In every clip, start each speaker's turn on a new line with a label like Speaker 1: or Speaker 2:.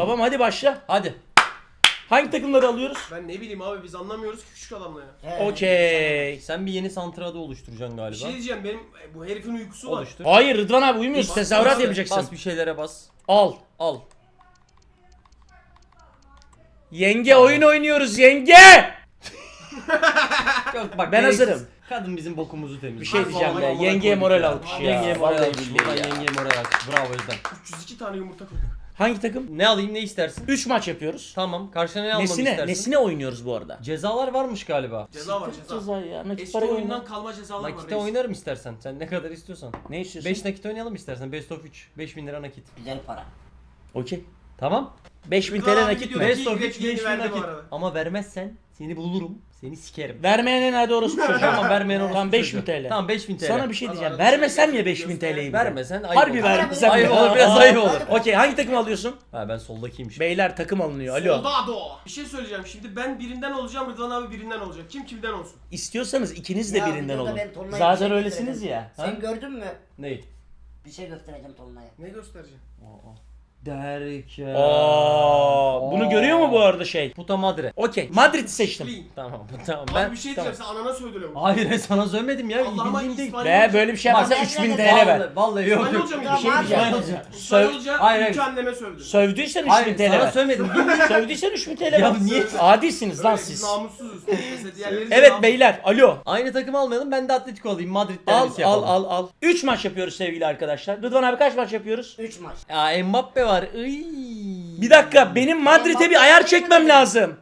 Speaker 1: Babam hadi başla.
Speaker 2: Hadi.
Speaker 1: Hangi takımları alıyoruz?
Speaker 3: Ben ne bileyim abi biz anlamıyoruz ki küçük adamla ya.
Speaker 1: Okey.
Speaker 2: Sen bir yeni santrada oluşturacaksın
Speaker 3: Bir
Speaker 2: galiba.
Speaker 3: şey diyeceğim benim bu herifin uykusu var.
Speaker 2: Oluştur.
Speaker 1: Hayır Rıdvan abi uyumuyorsun. Tezahürat
Speaker 3: bas,
Speaker 1: yapacaksın.
Speaker 2: Bas bir şeylere bas.
Speaker 1: Al.
Speaker 2: Al.
Speaker 1: Yenge oyun oynuyoruz yenge.
Speaker 2: Yok bak
Speaker 1: Ben
Speaker 2: gereksiz.
Speaker 1: hazırım.
Speaker 2: Kadın bizim bokumuzu temizliyor.
Speaker 1: Bir şey diyeceğim
Speaker 3: Vallahi
Speaker 1: ya.
Speaker 3: vallahi
Speaker 1: Yengeye
Speaker 3: koyduk
Speaker 1: moral
Speaker 3: ya.
Speaker 1: alkışı ya.
Speaker 2: Yengeye moral
Speaker 1: Vallahi
Speaker 2: alkış.
Speaker 1: billahi
Speaker 2: Buradan
Speaker 1: ya.
Speaker 2: yengeye moral alkış. Bravo Özlem.
Speaker 3: 302 tane yumurta koyduk.
Speaker 1: Hangi takım?
Speaker 2: Ne alayım ne istersin?
Speaker 1: 3 maç yapıyoruz.
Speaker 2: Tamam. Karşına ne almamı
Speaker 1: Nesine?
Speaker 2: istersin?
Speaker 1: Nesine oynuyoruz bu arada?
Speaker 2: Cezalar varmış galiba.
Speaker 3: Ceza var ceza.
Speaker 1: Ceza ya. Nakit
Speaker 3: Eski
Speaker 1: para
Speaker 3: oyundan
Speaker 1: oyunu.
Speaker 3: kalma cezalar var.
Speaker 2: Nakite
Speaker 3: reis.
Speaker 2: oynarım istersen. Sen ne kadar istiyorsan.
Speaker 1: Ne istiyorsun?
Speaker 2: 5 nakit oynayalım istersen. Best of 3. 5000 lira nakit.
Speaker 4: Güzel para.
Speaker 1: Okey.
Speaker 2: Tamam.
Speaker 1: 5000
Speaker 3: Rıdvan
Speaker 1: TL
Speaker 3: abi
Speaker 1: nakit
Speaker 3: videoda-
Speaker 1: mi?
Speaker 2: Best of 3
Speaker 3: Direkt yeni
Speaker 2: 5000
Speaker 3: verdi bu
Speaker 2: nakit.
Speaker 3: arada.
Speaker 2: Ama vermezsen seni bulurum. Seni sikerim.
Speaker 1: Vermeyen hadi orospu çocuğu.
Speaker 2: Tamam vermeyen orası.
Speaker 1: Tamam 5000 TL.
Speaker 2: Tamam 5000 TL.
Speaker 1: Sana bir şey
Speaker 3: Hadi
Speaker 1: diyeceğim.
Speaker 3: arada
Speaker 1: Vermesem
Speaker 3: şey
Speaker 1: ya 5000 TL'yi.
Speaker 2: Vermesen ayıp
Speaker 1: Harbi
Speaker 2: olur.
Speaker 1: vermesem
Speaker 2: Ayıp
Speaker 1: ya.
Speaker 2: olur, biraz ayıp olur.
Speaker 1: Okey hangi takım alıyorsun?
Speaker 2: Ha ben soldakiymişim.
Speaker 1: Beyler takım alınıyor. Alo.
Speaker 3: Soldado. Bir şey söyleyeceğim şimdi ben birinden olacağım Rıdvan abi birinden olacak. Kim kimden olsun?
Speaker 1: İstiyorsanız ikiniz de
Speaker 4: Ya,
Speaker 1: birinden
Speaker 4: videoda
Speaker 1: olun.
Speaker 4: ben Tolunay'a bir
Speaker 1: Zaten
Speaker 4: şey
Speaker 1: öylesiniz
Speaker 4: göstereceğim.
Speaker 1: ya.
Speaker 4: Sen gördün mü?
Speaker 2: Ney?
Speaker 4: Bir şey göstereceğim Tolunay'a.
Speaker 3: Ne göstereceğim?
Speaker 2: Derken.
Speaker 1: Aa, bunu görüyor mu bu arada şey?
Speaker 2: Puta madre.
Speaker 1: Okey. Madrid'i seçtim.
Speaker 3: Clean.
Speaker 2: Tamam tamam
Speaker 3: Ben
Speaker 2: ben.
Speaker 3: bir şey diyeceğim sen anana söyle bu.
Speaker 2: Hayır sana söylemedim ya.
Speaker 3: Allah'ıma
Speaker 2: Bildiğim değil.
Speaker 3: İspanyol-
Speaker 1: Ve böyle bir şey yaparsa
Speaker 4: Bak,
Speaker 1: 3000
Speaker 4: ben
Speaker 1: TL ver.
Speaker 2: Vallahi yok yok.
Speaker 3: İspanyolca mıydı?
Speaker 4: Bir şey diyeceğim.
Speaker 2: İspanyolca.
Speaker 3: İspanyolca
Speaker 2: Hayır, hayır.
Speaker 3: ülke anneme sövdü.
Speaker 1: Sövdüysen 3000
Speaker 2: Hayır
Speaker 1: TL
Speaker 2: sana
Speaker 1: ver.
Speaker 2: söylemedim.
Speaker 1: Sövdüysen 3000 TL
Speaker 2: Ya
Speaker 1: ver.
Speaker 2: niye?
Speaker 1: Adilsiniz lan
Speaker 3: Biz
Speaker 1: siz.
Speaker 3: namussuzuz. Mesela diğerleri de
Speaker 1: Evet
Speaker 3: namussuz.
Speaker 1: beyler. Alo.
Speaker 2: Aynı takım almayalım ben de Atletico alayım. Madrid
Speaker 1: Al
Speaker 2: derbisi
Speaker 1: al
Speaker 2: yapalım.
Speaker 1: al al. 3 maç yapıyoruz sevgili arkadaşlar. Rıdvan abi kaç maç yapıyoruz?
Speaker 4: 3 maç.
Speaker 2: Ya Mbappe var. Iy.
Speaker 1: Bir dakika benim Madrid'e bir ayar çekmem lazım.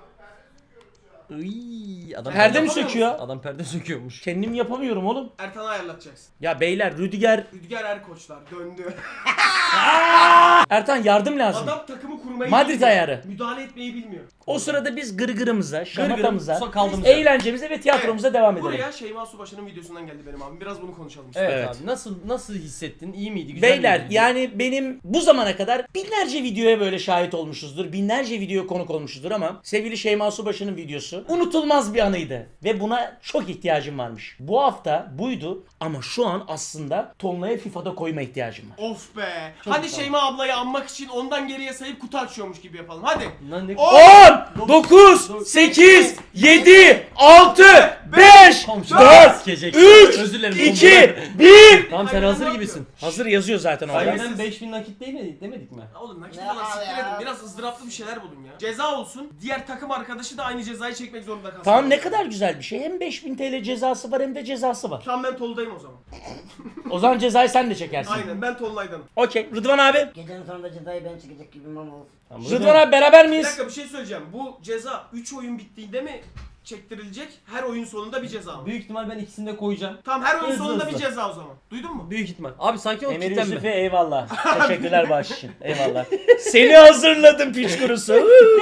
Speaker 2: Iy. Adam
Speaker 1: Perde mi
Speaker 3: yapamıyor
Speaker 1: söküyor?
Speaker 2: Adam perde söküyormuş.
Speaker 1: Kendim yapamıyorum oğlum.
Speaker 3: Ertan'ı ayarlatacaksın.
Speaker 1: Ya beyler Rüdiger.
Speaker 3: Rüdiger Erkoçlar döndü.
Speaker 1: Ertan yardım lazım.
Speaker 3: Adam takımı kurmayı
Speaker 1: Madrid
Speaker 3: bilmiyor.
Speaker 1: ayarı.
Speaker 3: Müdahale etmeyi bilmiyor.
Speaker 1: O sırada biz gırgırımıza, şamatamıza,
Speaker 2: Gırgırım, kaldığımız yer.
Speaker 1: eğlencemize ve tiyatromuza devam edelim.
Speaker 3: Buraya Şeyma Subaşı'nın videosundan geldi benim abim. Biraz bunu konuşalım.
Speaker 2: Evet,
Speaker 1: Evet.
Speaker 2: abi nasıl hissettin? İyi miydi? Güzel
Speaker 1: Beyler
Speaker 2: miydi?
Speaker 1: yani benim bu zamana kadar binlerce videoya böyle şahit olmuşuzdur. Binlerce videoya konuk olmuşuzdur ama sevgili Şeyma Subaşı'nın videosu unutulmaz bir anıydı. Ve buna çok ihtiyacım varmış. Bu hafta buydu ama şu an aslında Tonla'ya FIFA'da koyma ihtiyacım var.
Speaker 3: Of be. Hadi Şeyma ablayı anmak için ondan geriye sayıp kutu açıyormuş gibi yapalım. Hadi.
Speaker 2: Lan ne
Speaker 1: 10, 9, 8, 7, 6, 5,
Speaker 2: Komşu
Speaker 1: 4,
Speaker 2: sikecek.
Speaker 1: 3,
Speaker 2: Özür dilerim,
Speaker 1: 2, 1.
Speaker 2: Tamam sen
Speaker 3: Aynen
Speaker 2: hazır
Speaker 3: ne
Speaker 2: gibisin.
Speaker 1: Hazır yazıyor zaten orada.
Speaker 2: Aynen 5000 nakit değil mi? Demedik mi?
Speaker 3: Ya oğlum nakit
Speaker 4: Ne
Speaker 3: falan
Speaker 4: abi
Speaker 3: siktir
Speaker 4: ya?
Speaker 3: edin. Biraz ızdıraplı bir şeyler bulun ya. Ceza olsun. Diğer takım arkadaşı da aynı cezayı çekmek zorunda kalsın.
Speaker 1: Tamam ne kadar güzel bir şey. Hem 5000 TL cezası var hem de cezası var.
Speaker 3: Tamam ben Tolunay'ım o zaman.
Speaker 1: O zaman cezayı sen de çekersin.
Speaker 3: Aynen ben Tolunay'danım.
Speaker 1: Okey. Rıdvan abi.
Speaker 4: Gecenin sonunda cezayı ben çekecek gibi ama olsun.
Speaker 2: Tamam,
Speaker 1: Rıdvan abi beraber
Speaker 3: Bir
Speaker 1: miyiz?
Speaker 3: dakika bir şey söyleyeceğim. Bu ceza 3 oyun bittiğinde mi çektirilecek? Her oyun sonunda bir ceza mı?
Speaker 2: Büyük ihtimal ben ikisini de koyacağım.
Speaker 3: Tamam her oyun
Speaker 2: Hızlı
Speaker 3: sonunda
Speaker 2: hızlı.
Speaker 3: bir ceza o zaman. Duydun mu?
Speaker 2: Büyük ihtimal. Abi sakin ol
Speaker 1: Emir
Speaker 2: kitlenme.
Speaker 1: Yusuf'e eyvallah. Teşekkürler bağış için. Eyvallah. Seni hazırladım piç kurusu.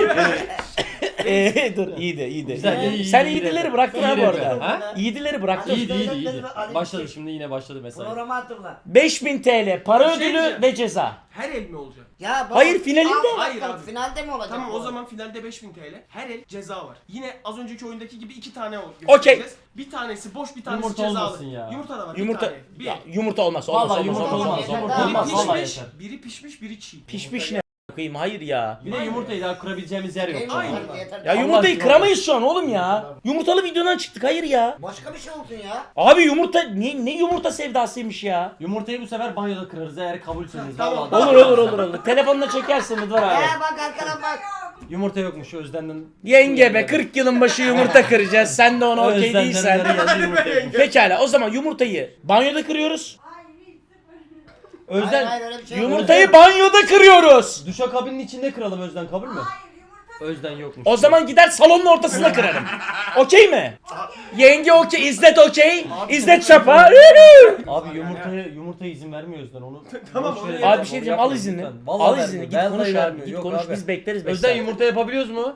Speaker 1: Dur iyiydi iyiydi.
Speaker 2: Güzel, iyi,
Speaker 1: Sen
Speaker 2: iyi,
Speaker 1: iyidileri
Speaker 2: iyi.
Speaker 1: bıraktın ha
Speaker 2: İyi
Speaker 1: bu
Speaker 2: de
Speaker 1: arada.
Speaker 2: ha?
Speaker 1: İyidileri bıraktın.
Speaker 2: İyiydi iyiydi
Speaker 4: Ali
Speaker 2: iyiydi.
Speaker 4: bir
Speaker 2: Başladı
Speaker 4: şey-
Speaker 2: şimdi yine başladı mesela.
Speaker 4: Programı hatırla.
Speaker 1: 5000 TL para
Speaker 3: Bir şey
Speaker 1: ödülü
Speaker 3: diyeceğim.
Speaker 1: ve ceza.
Speaker 3: Her el mi olacak?
Speaker 4: Ya baba,
Speaker 1: Hayır, finalinde.
Speaker 3: Hayır abi.
Speaker 4: Finalde mi olacak?
Speaker 3: Tamam
Speaker 4: bu?
Speaker 3: o zaman finalde 5000 TL. Her el ceza var. Yine az önceki oyundaki gibi 2 tane
Speaker 1: Okey.
Speaker 3: Bir tanesi boş bir tanesi
Speaker 2: Yumurta
Speaker 3: cezalı.
Speaker 2: olmasın ya.
Speaker 3: Yumurta da var.
Speaker 1: Yumurta
Speaker 3: Bir tane. Bir.
Speaker 1: ya, yumurta olmaz. Olmaz
Speaker 2: Vallahi
Speaker 1: olmaz
Speaker 2: yumurta
Speaker 1: olmaz.
Speaker 2: olmaz.
Speaker 4: olmaz.
Speaker 2: Yumurta
Speaker 4: Biri
Speaker 2: olmaz.
Speaker 3: Biri
Speaker 2: Vallahi
Speaker 3: pişmiş,
Speaker 2: yeter.
Speaker 3: biri pişmiş, biri çiğ.
Speaker 1: Pişmiş ne koyayım hayır ya.
Speaker 2: Bir de yumurtayı daha kurabileceğimiz yer yok.
Speaker 4: Yeter,
Speaker 3: Aynen.
Speaker 4: yeter.
Speaker 1: Ya
Speaker 2: Allah
Speaker 1: yumurtayı
Speaker 2: aşkına.
Speaker 1: kıramayız şu an oğlum ya. Yumurtalı videodan çıktık hayır ya.
Speaker 4: Başka bir şey olsun ya.
Speaker 1: Abi yumurta ne yumurta sevdasıymış ya.
Speaker 2: Yumurtayı bu sefer banyoda kırarız eğer kabulsünüz.
Speaker 3: Tamam.
Speaker 2: Vallahi.
Speaker 1: Olur. Telefonla çekersin Rıdvan abi.
Speaker 4: Bak arkadan bak.
Speaker 2: Yumurta yokmuş Özden'den.
Speaker 1: Yenge be 40 yılın başı yumurta kıracağız. Sen de ona okey
Speaker 2: Özden'den
Speaker 1: değilsen.
Speaker 2: geldi yumurta yokmuş.
Speaker 1: Pekala o zaman yumurtayı banyoda kırıyoruz.
Speaker 4: Hayır
Speaker 2: Özden
Speaker 4: hayır öyle bir şey yok.
Speaker 1: Yumurtayı banyoda kırıyoruz.
Speaker 2: duşakabinin içinde kıralım Özden kabul mü?
Speaker 5: Hayır yumurta.
Speaker 2: Özden yokmuş.
Speaker 1: O zaman gider salonun ortasında kırarım. Okey mi? Yenge okey, İzzet okey. İzzet çapa.
Speaker 2: Abi yumurtaya izin vermiyor Özden onu.
Speaker 3: Tamam,
Speaker 2: boş
Speaker 3: onu
Speaker 2: ver.
Speaker 3: yap.
Speaker 1: Abi bir şey diyeceğim al
Speaker 2: Yapma
Speaker 1: izni.
Speaker 2: lütfen. Vallahi
Speaker 1: Al
Speaker 2: vermiyor.
Speaker 1: izni git
Speaker 2: Vallahi
Speaker 1: konuş abi.
Speaker 2: vermiyor.
Speaker 1: Git
Speaker 2: Yok
Speaker 1: konuş
Speaker 2: abi.
Speaker 1: biz bekleriz 5
Speaker 2: Özden
Speaker 1: saat.
Speaker 2: yumurta yapabiliyoruz mu?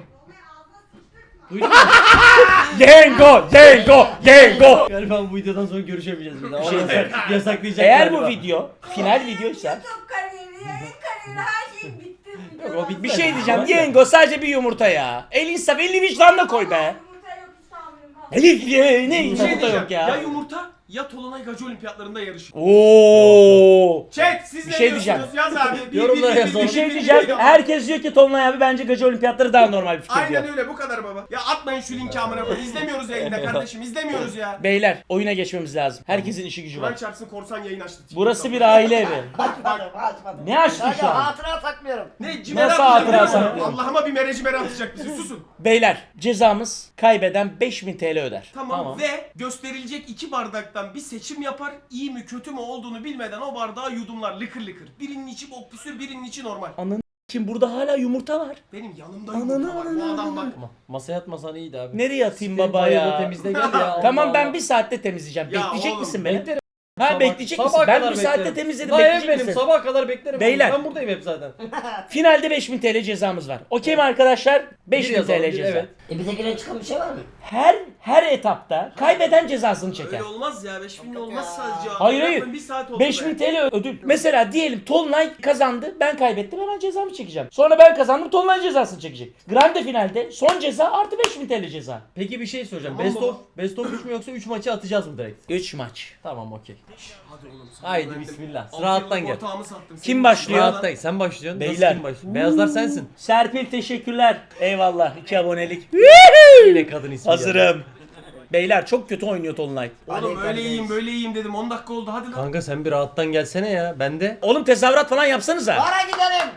Speaker 5: Onu ağzına sıçtırtma.
Speaker 1: Yengo.
Speaker 2: Galiba bu videodan sonra görüşemeyeceğiz bir daha.
Speaker 1: şey
Speaker 2: Onu yasaklayacak
Speaker 1: Eğer
Speaker 2: galiba.
Speaker 1: bu video final videoysa
Speaker 5: YouTube kariyeri, yayın kariyeri her şey bitti.
Speaker 2: Yok, o bitti.
Speaker 1: bir şey diyeceğim. Yengo sadece bir yumurta ya. El insaf, elini vicdanla koy be.
Speaker 5: Yumurta yok hiç tahammülüm kalmadı.
Speaker 1: Elif ye ne
Speaker 3: Bir şey
Speaker 1: yumurta
Speaker 3: diyeceğim.
Speaker 1: yok ya.
Speaker 3: Ya yumurta ya Tolunay Gacı Olimpiyatlarında yarışır.
Speaker 1: Oo.
Speaker 3: Chat siz
Speaker 1: Bir
Speaker 3: ne
Speaker 1: şey
Speaker 3: diyorsunuz? Yaz abi.
Speaker 2: Yorumlara yazalım.
Speaker 1: Bir şey diyeceğim. Herkes diyor ki Tolunay abi bence Gacı Olimpiyatları daha normal bir fikir diyor.
Speaker 3: Aynen öyle bu kadar baba. Ya atmayın şu linki amına koyayım. İzlemiyoruz yayında kardeşim. İzlemiyoruz ya.
Speaker 1: Beyler oyuna geçmemiz lazım. Herkesin işi gücü
Speaker 3: Kur'an
Speaker 1: var.
Speaker 3: çarpsın korsan yayın açtı.
Speaker 1: Burası bir aile evi.
Speaker 4: Açmadım.
Speaker 1: Ne açtın
Speaker 4: Sadece
Speaker 1: şu an?
Speaker 4: hatıra saklıyorum.
Speaker 3: Ne cimere
Speaker 1: Nasıl
Speaker 3: atacak
Speaker 1: hatıra
Speaker 3: değil mi?
Speaker 1: saklıyorsun?
Speaker 3: Allah'ıma bir merecimere atacak bizi susun.
Speaker 1: Beyler cezamız kaybeden 5000 TL öder.
Speaker 3: Tamam. Ve gösterilecek 2 bardaktan bir seçim yapar. İyi mi kötü mü olduğunu bilmeden o bardağı yudumlar lıkır lıkır. Birinin içi bok püsür, birinin içi normal.
Speaker 1: Ananı kim burada hala yumurta var.
Speaker 3: Benim yanımda
Speaker 1: Ananı,
Speaker 3: yumurta var. Bu
Speaker 1: ananı,
Speaker 3: adam bak.
Speaker 2: Masaya atmasan iyiydi abi.
Speaker 1: Nereye atayım
Speaker 2: Siteyi
Speaker 1: baba
Speaker 2: bayağı
Speaker 1: ya?
Speaker 2: da temizle gel ya.
Speaker 1: Tamam
Speaker 2: Allah
Speaker 1: ben
Speaker 2: Allah.
Speaker 1: bir saatte temizleyeceğim.
Speaker 3: Ya
Speaker 1: Bekleyecek
Speaker 3: oğlum,
Speaker 1: misin beni?
Speaker 2: Beklerim.
Speaker 1: Ha
Speaker 2: Sabah-
Speaker 1: bekleyecek misin?
Speaker 2: sabaha
Speaker 1: Ben
Speaker 2: kadar
Speaker 1: bir saatte
Speaker 2: beklerim.
Speaker 1: temizledim.
Speaker 2: Daha ev
Speaker 1: Bekleyecek
Speaker 2: benim.
Speaker 1: misin?
Speaker 2: Sabaha kadar beklerim.
Speaker 1: Beyler.
Speaker 2: Ben buradayım hep zaten.
Speaker 1: Finalde 5000 TL cezamız var. Okey mi arkadaşlar? 5000
Speaker 2: yazalım,
Speaker 1: TL
Speaker 2: bir,
Speaker 1: ceza.
Speaker 2: evet.
Speaker 4: Bize giren çıkan bir şey var mı?
Speaker 1: Her etapta kaybeden cezasını çeker.
Speaker 3: Öyle olmaz ya. 5000 olmaz
Speaker 4: ya.
Speaker 3: sadece.
Speaker 1: Hayır, hayır.
Speaker 3: Bir saat oldu
Speaker 1: 5000
Speaker 3: be.
Speaker 1: TL ödül. Mesela diyelim Tolunay kazandı, ben kaybettim, hemen cezamı çekeceğim. Sonra ben kazandım, Tolunay cezasını çekecek. Grande finalde son ceza artı 5000 TL ceza.
Speaker 2: Peki bir şey soracağım.
Speaker 3: Tamam baba.
Speaker 2: Best of 3 mü yoksa 3 maçı atacağız mı direkt?
Speaker 1: 3 maç.
Speaker 2: Tamam okey.
Speaker 3: Hadi oğlum. sana
Speaker 2: Haydi
Speaker 3: güvendim.
Speaker 2: bismillah.
Speaker 3: Altı
Speaker 2: Rahattan
Speaker 3: yıllık
Speaker 2: gel.
Speaker 3: ortağımı sattım.
Speaker 1: Kim
Speaker 3: Senin
Speaker 1: başlıyor?
Speaker 3: için
Speaker 2: Rahattan. Sen başlıyorsun. Nasıl
Speaker 1: Beyler.
Speaker 2: kim başlıyor? Beyazlar sensin.
Speaker 1: Serpil teşekkürler. Eyvallah. 2 abonelik.
Speaker 2: Yine kadın ismi.
Speaker 1: Hazırım. Beyler çok kötü oynuyor Tolunay.
Speaker 3: Oğlum öyle iyiyim böyle iyiyim dedim 10 dakika oldu hadi lan.
Speaker 2: Kanka sen bir rahattan gelsene ya. Ben de
Speaker 1: Oğlum tezahürat falan yapsanıza.
Speaker 4: Para gidelim.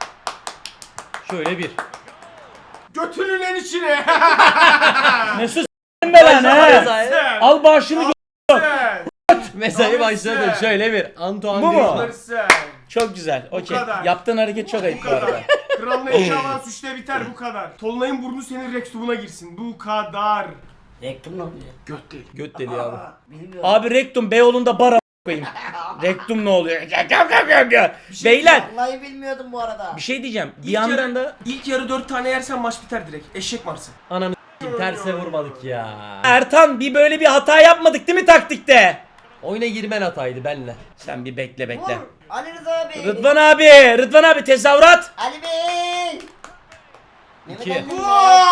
Speaker 2: şöyle bir.
Speaker 3: Götünün en içine.
Speaker 1: Mesut s**tim be lan he.
Speaker 3: Sen.
Speaker 1: Al bağışını gö-
Speaker 3: Sen.
Speaker 2: Mesai başladı.
Speaker 3: Sen.
Speaker 2: Şöyle bir. Antoine
Speaker 1: Bu mu?
Speaker 2: Griezmann.
Speaker 3: Sen.
Speaker 1: Çok güzel. Okey.
Speaker 3: kadar.
Speaker 1: Yaptığın hareket çok
Speaker 3: Bu
Speaker 1: ayıp bu arada.
Speaker 3: kadar. Kralın eşi avans 3'te biter bu kadar. Tolunay'ın burnu senin rektumuna girsin. Bu kadar.
Speaker 4: Rektum ne oluyor?
Speaker 3: Göt değil.
Speaker 2: Göt deli abi.
Speaker 4: Bilmiyorum.
Speaker 1: Abi rektum Beyoğlu'nda bara koyayım. Rektum ne oluyor? Beyler
Speaker 4: Vallahi bilmiyordum bu arada.
Speaker 1: bir şey diyeceğim. Bir
Speaker 3: İlk
Speaker 1: yandan
Speaker 3: yarı-
Speaker 1: da
Speaker 3: İlk yarı 4 tane yersen maç biter direkt. Eşek Mars'ı.
Speaker 2: Ananı s**eyim, terse vurmadık ya.
Speaker 1: Ertan bir böyle bir hata yapmadık değil mi taktikte?
Speaker 2: Oyuna girmen hataydı benle.
Speaker 1: Sen bir bekle
Speaker 4: Vur.
Speaker 1: bekle.
Speaker 4: Ali Rıza abi.
Speaker 1: Rıdvan abi tezahürat.
Speaker 4: Ali Bey. Mehmet
Speaker 2: İki.
Speaker 4: Ali.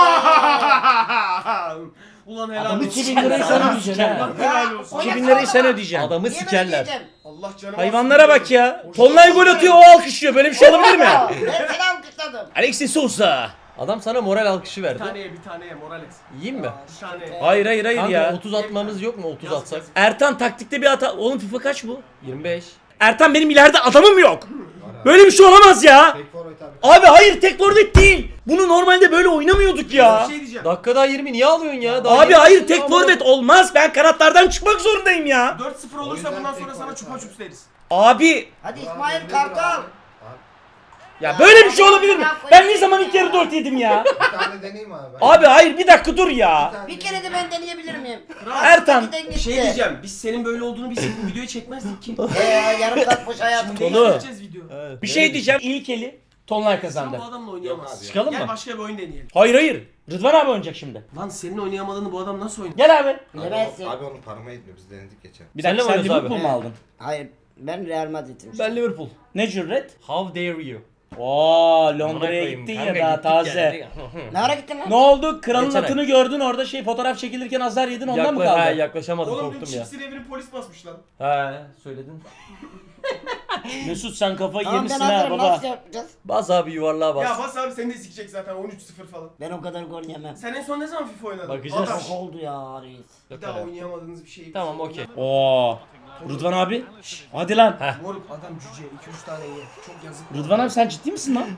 Speaker 3: Ulan helal
Speaker 1: Adamı
Speaker 3: olsun.
Speaker 1: 2000 lirayı sen ödeyeceksin ha.
Speaker 3: Ulan helal olsun.
Speaker 1: 2000 lirayı sen ödeyeceksin.
Speaker 2: Adamı
Speaker 4: Niye böyle
Speaker 2: sikerler.
Speaker 4: diyeceğim?
Speaker 3: Allah canım.
Speaker 1: Hayvanlara bak ya. Tolunay gol atıyor o alkışlıyor. Böyle bir şey olabilir mi?
Speaker 4: Ben seni alkışladım.
Speaker 1: Alexis Sousa.
Speaker 2: Adam sana moral alkışı
Speaker 3: Bir
Speaker 2: verdi.
Speaker 3: taneye Morales.
Speaker 2: Yiyeyim mi?
Speaker 3: Bir taneye.
Speaker 1: Hayır
Speaker 2: Kanka
Speaker 1: ya.
Speaker 2: 30 atmamız yok mu? 30
Speaker 3: Yaz,
Speaker 2: atsak.
Speaker 3: yaz.
Speaker 1: Ertan taktikte bir hata. Oğlum FIFA kaç bu?
Speaker 2: 25.
Speaker 1: Ertan benim ileride adamım yok. Böyle bir şey olamaz ya. Abi hayır tek forvet değil. Bunu normalde böyle oynamıyorduk ya.
Speaker 3: Bir şey diyeceğim.
Speaker 2: Dakika daha 20 niye alıyorsun ya? Daha
Speaker 1: Abi
Speaker 2: 20
Speaker 1: hayır tek
Speaker 2: Ama-
Speaker 1: forvet olmaz. Ben kanatlardan çıkmak zorundayım ya.
Speaker 3: 4-0 olursa bundan sonra sana çupa çups deriz.
Speaker 1: Abi
Speaker 4: Hadi İsmail Kartal.
Speaker 1: ya böyle bir şey olabilir mi? Ben ne zaman ilk yarı 4 yedim ya?
Speaker 6: Bir tane deneyeyim abi.
Speaker 1: Abi hayır bir dakika dur ya.
Speaker 4: Bir kere de ben deneyebilir miyim?
Speaker 1: Ertan.
Speaker 4: Giden
Speaker 3: Bir şey
Speaker 4: gitti.
Speaker 3: diyeceğim. Biz senin böyle olduğunu bilseydik videoyu çekmezdik ki.
Speaker 4: Yarım saat boş hayatım.
Speaker 3: Şimdi
Speaker 1: Dolu.
Speaker 3: değiştireceğiz video.
Speaker 2: Evet.
Speaker 1: Bir şey diyeceğim. İlk eli Tolunay
Speaker 3: Sen
Speaker 1: kazandı.
Speaker 3: bu adamla oynayamazsın.
Speaker 2: Çıkalım
Speaker 3: Gel
Speaker 2: mı?
Speaker 3: başka bir oyun deneyelim.
Speaker 1: Hayır. Rıdvan abi oynayacak şimdi.
Speaker 3: Lan senin oynayamadığını bu adam nasıl oynar?
Speaker 1: Gel abi.
Speaker 4: Bilemezsin.
Speaker 6: Abi onun parmağı etmiyor biz denedik geçen.
Speaker 1: Bir
Speaker 2: Senle
Speaker 1: dakika
Speaker 2: mi
Speaker 1: sen
Speaker 2: oynuyoruz
Speaker 1: Liverpool
Speaker 2: abi?
Speaker 1: mu aldın?
Speaker 4: Hayır ben Real Madrid'im.
Speaker 2: Ben Liverpool.
Speaker 1: Ne cüret?
Speaker 2: How dare you?
Speaker 1: Oo
Speaker 2: Amına
Speaker 1: Londra'ya
Speaker 2: koyayım,
Speaker 1: gittin
Speaker 2: kanka
Speaker 1: ya daha
Speaker 2: gittik
Speaker 1: taze.
Speaker 2: yani.
Speaker 4: Ne ara gittin lan?
Speaker 1: Ne oldu? Kralın
Speaker 2: Geçen ay.
Speaker 1: atını gördün orada fotoğraf çekilirken azar yedin ondan mı
Speaker 2: Ha,
Speaker 1: kaldı?
Speaker 2: yaklaşamadım
Speaker 3: Oğlum dün
Speaker 2: korktum ya.
Speaker 3: çipsin evini polis basmış lan.
Speaker 2: He söyledin.
Speaker 1: Mesut sen kafayı
Speaker 4: Tamam ben
Speaker 1: yemişsin ha
Speaker 4: hazırım
Speaker 1: baba.
Speaker 4: nasıl yapacağız?
Speaker 2: Bas abi yuvarlığa bas.
Speaker 3: Ya bas abi seni de sikecek zaten 13-0 falan.
Speaker 4: Ben o kadar gol yemem.
Speaker 3: Sen en son ne zaman FIFA oynadın?
Speaker 2: Bakacağız.
Speaker 3: Adam,
Speaker 4: Çok oldu ya reis.
Speaker 3: bir daha oynayamadığınız bir şey.
Speaker 2: Tamam, okey.
Speaker 1: Oo. Rıdvan abi. Hadi lan.
Speaker 3: Moruk adam cüce 2-3 tane ye. Çok yazık.
Speaker 1: Rıdvan abi sen ciddi misin lan?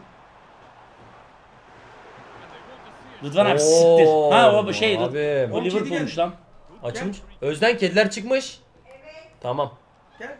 Speaker 1: Rıdvan abi
Speaker 2: Oo,
Speaker 1: siktir. Ha o şey.
Speaker 2: abim.
Speaker 1: O Liverpool'muş lan.
Speaker 2: Açılmış. Özden kediler çıkmış. Tamam.
Speaker 3: Gel.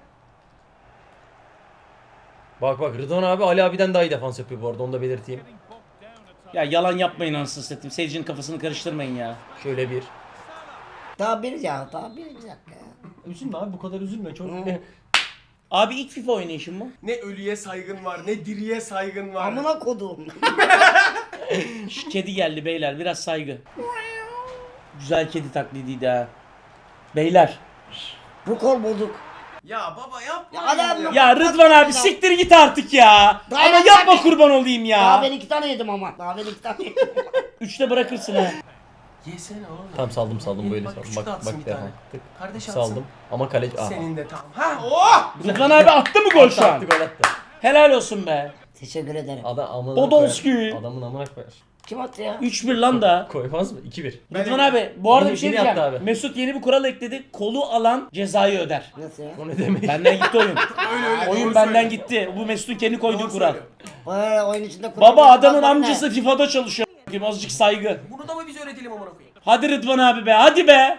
Speaker 2: Bak Rıdvan abi Ali abiden daha iyi defans yapıyor bu arada onu da belirteyim.
Speaker 1: Ya yalan yapmayın anasını satayım. Seyircinin kafasını karıştırmayın ya.
Speaker 2: Şöyle bir.
Speaker 4: Daha bir ya daha bir dakika ya.
Speaker 2: Üzülme abi bu kadar üzülme çok.
Speaker 1: Abi ilk FIFA oynayışın mı?
Speaker 3: Ne ölüye saygın var ne diriye saygın var.
Speaker 4: Amına kodum.
Speaker 1: Şş, kedi geldi beyler biraz saygı. Güzel kedi taklidiydi ha. Beyler.
Speaker 4: Bu kol bozuk.
Speaker 3: Ya baba yapma
Speaker 4: Ya adam-
Speaker 1: Ya Rıdvan abi siktir git artık ya.
Speaker 4: Daha
Speaker 1: Ama
Speaker 4: ben
Speaker 1: yapma
Speaker 4: zaten-
Speaker 1: kurban olayım
Speaker 4: Daha
Speaker 1: ya.
Speaker 4: ben 2 tane yedim ama. Daha ben 2 tane yedim.
Speaker 1: 3'te bırakırsın ha.
Speaker 3: Yesene oğlum.
Speaker 2: Tamam saldım böyle
Speaker 3: Bak,
Speaker 2: saldım.
Speaker 3: küçük de
Speaker 2: Bak
Speaker 3: atsın
Speaker 2: bak
Speaker 3: bir
Speaker 2: defa.
Speaker 3: tane.
Speaker 2: Tık.
Speaker 3: Kardeş atsın.
Speaker 2: Saldım. Ama kaleci... Ah.
Speaker 3: Senin de tamam. Ha oh!
Speaker 1: Rıdvan abi attı mı gol şu an?
Speaker 2: Attı, gol attı.
Speaker 1: Helal olsun be.
Speaker 4: Teşekkür ederim.
Speaker 2: Adam amına
Speaker 1: Podolski.
Speaker 2: koyar. Adamın amına koyar.
Speaker 4: Kim attı ya?
Speaker 1: 3-1 lan da.
Speaker 2: Koymaz mı? 2-1.
Speaker 1: Rıdvan abi bu arada
Speaker 2: Yeni-
Speaker 1: bir şey
Speaker 2: yeni
Speaker 1: diyeceğim.
Speaker 2: yaptı abi.
Speaker 1: Mesut yeni bir kural ekledi. Kolu alan cezayı öder.
Speaker 4: Nasıl ya?
Speaker 2: O ne demek?
Speaker 1: Benden gitti oyun.
Speaker 3: Öyle
Speaker 1: Oyun
Speaker 3: doğru
Speaker 1: benden
Speaker 3: söylüyor.
Speaker 1: gitti. Bu Mesut'un kendi koyduğu
Speaker 3: Doğru
Speaker 1: kural.
Speaker 3: söylüyor.
Speaker 4: Oyun içinde kural.
Speaker 1: Baba adamın
Speaker 4: kurallar ne?
Speaker 1: amcası FIFA'da çalışıyor. Azıcık saygı.
Speaker 3: Bunu da mı biz öğretelim amına koyayım?
Speaker 1: Hadi Rıdvan abi be, hadi be.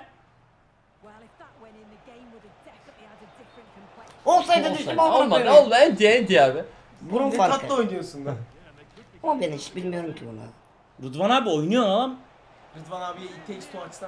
Speaker 4: Olsaydı düştüm
Speaker 2: Olmadı.
Speaker 4: amına
Speaker 2: Olmadı. Enti abi.
Speaker 4: Burun
Speaker 3: Ne
Speaker 4: farkı.
Speaker 3: tatlı oynuyorsun lan.
Speaker 4: Ama ben hiç bilmiyorum ki bunu.
Speaker 1: Rıdvan abi oynuyor lan.
Speaker 3: Rıdvan abiye it takes two açsana.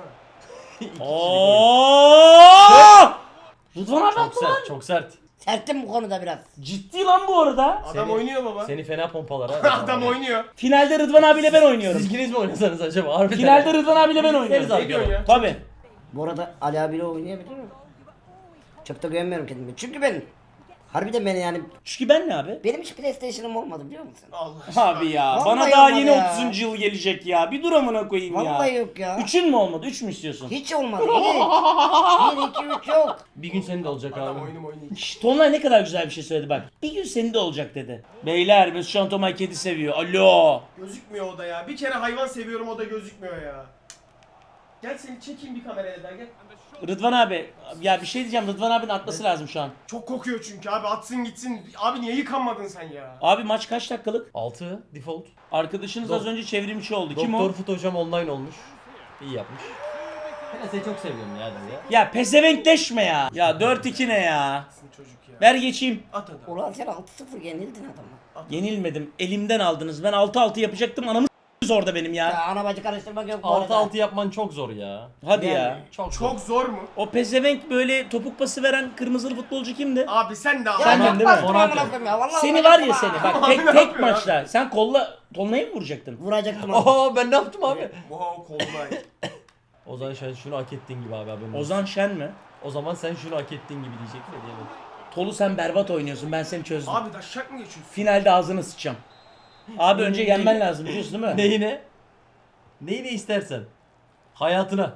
Speaker 1: Oo! Rıdvan abi
Speaker 2: Çok
Speaker 1: attı lan.
Speaker 2: sert, çok sert.
Speaker 4: Serttim bu konuda biraz.
Speaker 1: Ciddi lan bu arada.
Speaker 3: Adam oynuyor baba.
Speaker 2: Seni fena pompalar ha.
Speaker 3: Adam oynuyor.
Speaker 1: Finalde Rıdvan abiyle ben oynuyorum.
Speaker 2: Siz ikiniz mi oynasanız acaba? Harbiden.
Speaker 1: Finalde Rıdvan abiyle ben oynuyorum.
Speaker 3: Ne diyorsun ya?
Speaker 1: Tabii.
Speaker 4: Bu arada Ali abiyle oynayabilir mi? Çok da güvenmiyorum kendime. Çünkü ben harbiden beni yani
Speaker 1: Çünkü ben ne abi?
Speaker 4: benim hiç PlayStation'ım olmadı biliyor musun?
Speaker 3: Allah aşkına.
Speaker 1: Abi ya
Speaker 4: Vallahi
Speaker 1: bana daha
Speaker 4: olmadı
Speaker 1: yeni
Speaker 4: ya.
Speaker 1: 30. yıl gelecek ya. Bir dur amına koyayım
Speaker 4: Vallahi
Speaker 1: ya.
Speaker 4: yok ya.
Speaker 1: 3'ün mü olmadı? 3 mü istiyorsun?
Speaker 4: Hiç olmadı. Hiç. 1, 2, 3 yok.
Speaker 2: Bir gün senin de olacak
Speaker 3: Adam
Speaker 2: abi.
Speaker 3: oyunu oynayacak.
Speaker 1: Şşt, Tonlay ne kadar güzel bir şey söyledi bak. Bir gün senin de olacak dedi. Beyler Mesut Can Tomay kedi seviyor. Alo.
Speaker 3: Gözükmüyor o da ya. Bir kere hayvan seviyorum o da gözükmüyor ya. Gel seni çekeyim bir kameraya da gel.
Speaker 1: Rıdvan abi ya bir şey diyeceğim. Rıdvan abinin atması lazım şu an.
Speaker 3: Çok kokuyor çünkü abi atsın gitsin. Abi niye yıkanmadın sen ya?
Speaker 1: Abi maç kaç dakikalık?
Speaker 2: 6 default.
Speaker 1: Arkadaşınız az önce çevrimçi oldu. Kim
Speaker 2: Doktor
Speaker 1: o?
Speaker 2: Fut hocam online olmuş. İyi yapmış. Ben seni çok seviyorum ya dedi ya.
Speaker 1: Ya pezevenkleşme ya. Ya 4-2 ne ya?
Speaker 3: Atsın çocuk ya.
Speaker 1: Ver geçeyim.
Speaker 3: At adam.
Speaker 4: Ulan sen 6-0 yenildin adamı.
Speaker 1: Yenilmedim. Elimden aldınız. Ben 6-6 yapacaktım. Anamı s**tiniz orada benim ya.
Speaker 4: Ya ana bacı karıştırmak yok bu arada.
Speaker 2: 6-6 yapman çok zor ya.
Speaker 1: Hadi
Speaker 4: Yani.
Speaker 1: ya.
Speaker 3: Çok zor mu?
Speaker 1: O pezevenk böyle topuk pası veren kırmızılı futbolcu kimdi?
Speaker 3: Abi sen de
Speaker 4: Ya
Speaker 1: Sen
Speaker 3: abi.
Speaker 1: de değil mi?
Speaker 4: yapmazsın
Speaker 2: Konate.
Speaker 4: amına koyayım ya. Vallahi
Speaker 1: Seni var ya
Speaker 4: yapma.
Speaker 1: seni. Bak
Speaker 3: Abi
Speaker 1: tek
Speaker 3: ne
Speaker 1: tek
Speaker 3: yapıyor
Speaker 1: maçta. Sen Tolunay'ı mı vuracaktın?
Speaker 4: Vuracaktım abi.
Speaker 2: Oho ben ne yaptım abi?
Speaker 3: Wow kolunay.
Speaker 2: Ozan sen şunu hak ettiğin gibi abi haberin olsun.
Speaker 1: Ozan Şen mi?
Speaker 2: O zaman sen şunu hak ettiğin gibi diyecektim de diyelim.
Speaker 1: Tolu sen berbat oynuyorsun. Ben seni çözdüm.
Speaker 3: Abi daşak mı geçiyorsun?
Speaker 1: Finalde ağzını sıçacağım. Abi önce yenmen lazım biliyorsun değil mi?
Speaker 2: Neyine? Neyine istersen. Hayatına.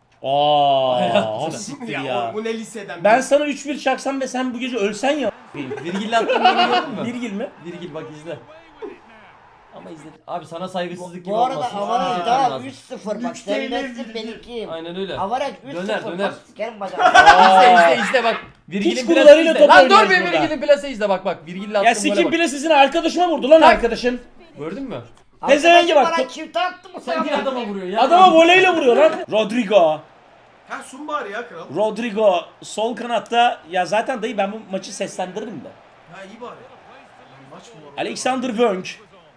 Speaker 1: Aa, siktir
Speaker 3: Ya,
Speaker 1: ya.
Speaker 3: bu ne liseden?
Speaker 1: Ben sana 3-1 çaksam ve sen bu gece ölsen ya.
Speaker 2: Virgil'le attığını gördün mü?
Speaker 1: Virgil mi?
Speaker 2: Virgil bak izle. Ama izle. Abi sana saygısızlık gibi
Speaker 4: Bu arada
Speaker 2: olmasın.
Speaker 4: avaraj
Speaker 2: Yeter
Speaker 4: daha
Speaker 2: lazım.
Speaker 4: 3-0 bak.
Speaker 3: Üç
Speaker 4: Sen
Speaker 3: TL
Speaker 4: bensin
Speaker 3: bildi.
Speaker 4: benimkiyim.
Speaker 2: Aynen öyle.
Speaker 4: Avaraj 3-0.
Speaker 2: Döner.
Speaker 4: Bak sikerim bacağını.
Speaker 2: İzle bak. Virgil'in
Speaker 1: Piç
Speaker 2: plase
Speaker 1: kurularıyla
Speaker 2: izle.
Speaker 1: top
Speaker 2: Lan dur
Speaker 1: oynuyoruz
Speaker 2: bir
Speaker 1: burada.
Speaker 2: Virgil'in plase izle bak. Virgil'le attığım
Speaker 1: Ya
Speaker 2: gole
Speaker 1: sikim
Speaker 2: bak.
Speaker 1: bile sizin arkadaşıma vurdu lan arkadaşın.
Speaker 2: Gördün mü?
Speaker 1: Pezevenge bak.
Speaker 4: Bana çifte attı mı
Speaker 2: Sen niye adama vuruyor ya?
Speaker 1: Adama voleyle vuruyor lan. Rodrigo.
Speaker 3: Ha sun bari ya kral.
Speaker 1: Rodrigo sol kanatta. Ya zaten dayı ben bu maçı seslendiririm de.
Speaker 3: Ha iyi bari. Maç mı var?
Speaker 1: Alexander Wöng.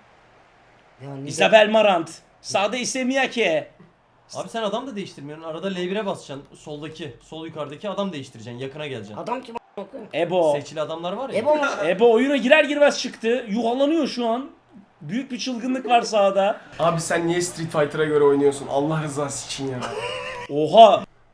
Speaker 4: Ya niye-
Speaker 1: Isabel Marant. Sağda ise Miyake.
Speaker 2: Abi sen adam da değiştirmiyorsun. Arada L1'e basacaksın. Soldaki, sol yukarıdaki adam değiştireceksin. Yakına geleceksin.
Speaker 4: Adam kim a**ına koyayım?
Speaker 1: Ebo.
Speaker 2: Seçili adamlar var ya.
Speaker 4: Ebo mu?
Speaker 1: Ebo oyuna girer girmez çıktı. Yuhalanıyor şu an. Büyük bir çılgınlık var sahada.
Speaker 3: Abi sen niye Street Fighter'a göre oynuyorsun? Allah rızası için ya.
Speaker 1: Oha.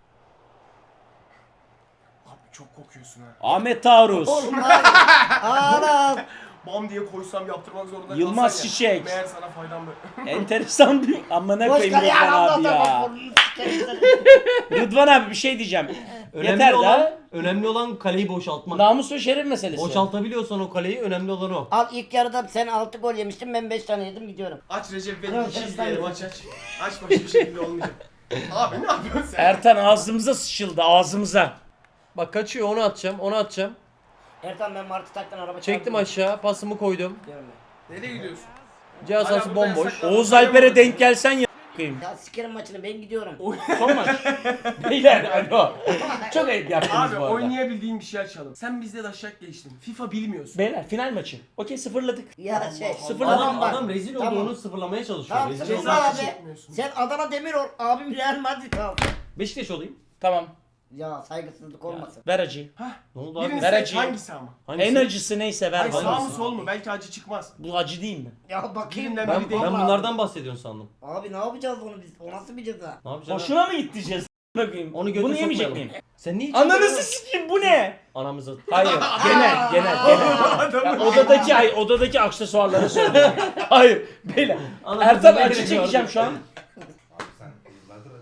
Speaker 3: Abi çok kokuyorsun ha.
Speaker 1: Ahmet Taarruz.
Speaker 4: Oğlum abi. Anam.
Speaker 3: Bam diye koysam yaptırmak zorunda
Speaker 1: Yılmaz
Speaker 3: kalsan ya.
Speaker 1: Çiçek.
Speaker 3: Meğer sana faydam böyle.
Speaker 1: Enteresan bir... Amma ne
Speaker 4: Boş
Speaker 1: koyayım
Speaker 4: kal ya.
Speaker 1: Rıdvan
Speaker 4: Allah
Speaker 1: abi ya.
Speaker 4: Allah. Burnunu sikerim seni.
Speaker 1: Rıdvan abi bir şey diyeceğim. Yeter
Speaker 2: Önemli olan kaleyi boşaltmak.
Speaker 1: Namus ve şeref meselesi.
Speaker 2: Boşaltabiliyorsan o kaleyi önemli olan o.
Speaker 4: Al ilk yarıda sen 6 gol yemiştin ben 5 tane yedim gidiyorum.
Speaker 3: Aç Recep
Speaker 4: Kral
Speaker 3: beni işi
Speaker 4: sen
Speaker 3: izleyelim
Speaker 4: sen-
Speaker 3: aç. Aç başka bir şekilde olmayacak. Abi ne yapıyorsun sen?
Speaker 1: Ertan ağzımıza sıçıldı ağzımıza.
Speaker 2: Bak kaçıyor onu atacağım.
Speaker 4: Ertan ben Martı taktan araba
Speaker 2: Çektim
Speaker 4: çarptım.
Speaker 2: aşağı pasımı koydum.
Speaker 4: Gidiyorum ben.
Speaker 3: Nereye gidiyorsun?
Speaker 2: Cihaz
Speaker 3: Hala
Speaker 2: sahası
Speaker 3: burada
Speaker 2: bomboş.
Speaker 3: yasak-
Speaker 1: Oğuz Alper'e denk gelsen ya koyayım.
Speaker 4: Ya sikerim maçını ben gidiyorum.
Speaker 1: Son maç. Beyler alo. Çok ayıp yaptınız
Speaker 3: Abi
Speaker 1: bu arada.
Speaker 3: oynayabildiğin bir şey açalım. Sen bizde daşak geçtin. FIFA bilmiyorsun.
Speaker 1: Beyler final maçı. Okey sıfırladık.
Speaker 4: Ya şey.
Speaker 1: Sıfırladım.
Speaker 2: Adam,
Speaker 4: bak.
Speaker 2: adam rezil
Speaker 4: Tamam.
Speaker 2: olduğunu sıfırlamaya çalışıyor.
Speaker 4: Tamam
Speaker 2: Rezil
Speaker 4: sıfır
Speaker 2: olduğunu-
Speaker 3: Ceza
Speaker 4: abi.
Speaker 3: çekmiyorsun.
Speaker 4: Sen Adana Demiror abim Real Madrid al.
Speaker 2: Beşiktaş olayım.
Speaker 1: Tamam.
Speaker 4: Ya saygısızlık olmasın.
Speaker 1: Ver acıyı.
Speaker 2: Ne oldu abi?
Speaker 3: Birini
Speaker 1: Ver
Speaker 3: seç
Speaker 1: acıyı.
Speaker 3: hangisi ama?
Speaker 2: Hangisi?
Speaker 1: En acısı neyse ver
Speaker 3: Hayır
Speaker 1: bana.
Speaker 3: sağ mı sol mu? Belki acı çıkmaz.
Speaker 1: Bu acı değil mi?
Speaker 4: Ya bakayım.
Speaker 3: Birinden
Speaker 2: Ben,
Speaker 3: biri değil.
Speaker 2: ben
Speaker 4: Vallahi.
Speaker 2: bunlardan bahsediyorsun sandım.
Speaker 4: Abi ne yapacağız onu biz? O nasıl bir ceza?
Speaker 2: Ne yapacaksın?
Speaker 1: Hoşuna mı gitti ceza? Bakayım.
Speaker 2: Onu götür
Speaker 1: Bunu yemeyecek
Speaker 2: sokmayalım.
Speaker 1: miyim?
Speaker 2: Sen niye
Speaker 1: Ananızı sikeyim bu ne?
Speaker 2: Anamızı.
Speaker 1: Hayır. Genel. Ya, odadaki aksesuarları söylüyorum. Hayır. Beyler.
Speaker 2: Ananızı
Speaker 1: Ertan
Speaker 2: ne
Speaker 1: acı
Speaker 2: gerek
Speaker 1: çekeceğim
Speaker 2: vardı?
Speaker 1: şu an.
Speaker 6: Abi sen yıllardır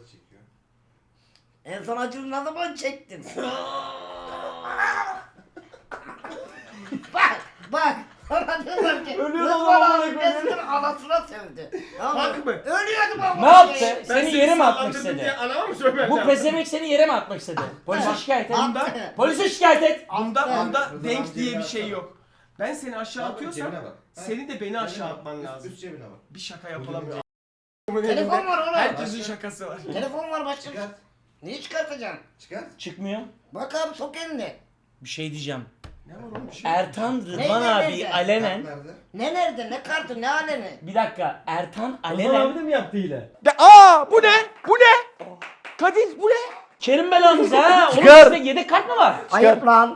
Speaker 4: En son acını ne zaman çektin? Bak. Sana diyorlar ki
Speaker 2: Ölüyor
Speaker 4: Rıdvan
Speaker 2: adam amına
Speaker 4: abi
Speaker 2: koyayım.
Speaker 4: Mesut'un anasına sövdü. Tamam
Speaker 3: Hak mı?
Speaker 4: Ölüyordum ama.
Speaker 1: Ne yaptı?
Speaker 4: Şey.
Speaker 1: Seni yere mi atmak
Speaker 3: sallandırdım
Speaker 1: istedi?
Speaker 3: diye Anama mı söylemem
Speaker 1: Bu
Speaker 3: lazım?
Speaker 1: pezevenk seni yere mi atmak istedi? Polise şikayet et.
Speaker 4: Attı.
Speaker 1: Polise şikayet et.
Speaker 3: Bunda
Speaker 6: Rıdvan
Speaker 3: denk
Speaker 6: abi
Speaker 3: diye
Speaker 6: cebine
Speaker 3: bir şey
Speaker 6: atsana.
Speaker 3: yok. Ben seni aşağı
Speaker 6: Abi,
Speaker 3: atıyorsam
Speaker 6: cebine bak.
Speaker 3: senin de beni
Speaker 6: Cebine
Speaker 3: aşağı
Speaker 6: bak.
Speaker 3: atman lazım.
Speaker 6: Üst cebine bak.
Speaker 3: Bir şaka yapılamıyor.
Speaker 4: Telefon var oğlum.
Speaker 3: Herkesin şakası var.
Speaker 4: Telefon var başka.
Speaker 6: Çıkart.
Speaker 4: Neyi çıkartacaksın?
Speaker 6: Çıkart.
Speaker 1: Çıkmıyor.
Speaker 4: Bak abi sok elini.
Speaker 1: Bir şey diyeceğim.
Speaker 3: Ne var oğlum bir şey?
Speaker 1: Ertan Rıdvan
Speaker 4: Ne,
Speaker 1: abi
Speaker 4: ne?
Speaker 1: alenen.
Speaker 6: Kart nerede?
Speaker 4: Ne nerede? Ne kartı? Ne alemi?
Speaker 1: Bir dakika. Ertan
Speaker 2: Rıdvan abi de
Speaker 1: alenen.
Speaker 2: mi yaptı hile?
Speaker 3: Bu ne? Bu ne? Kadir bu ne?
Speaker 1: Kerim belanız ha. Oğlum
Speaker 2: Çıkar.
Speaker 1: sizde yedek kart mı var?
Speaker 4: Ayıp lan.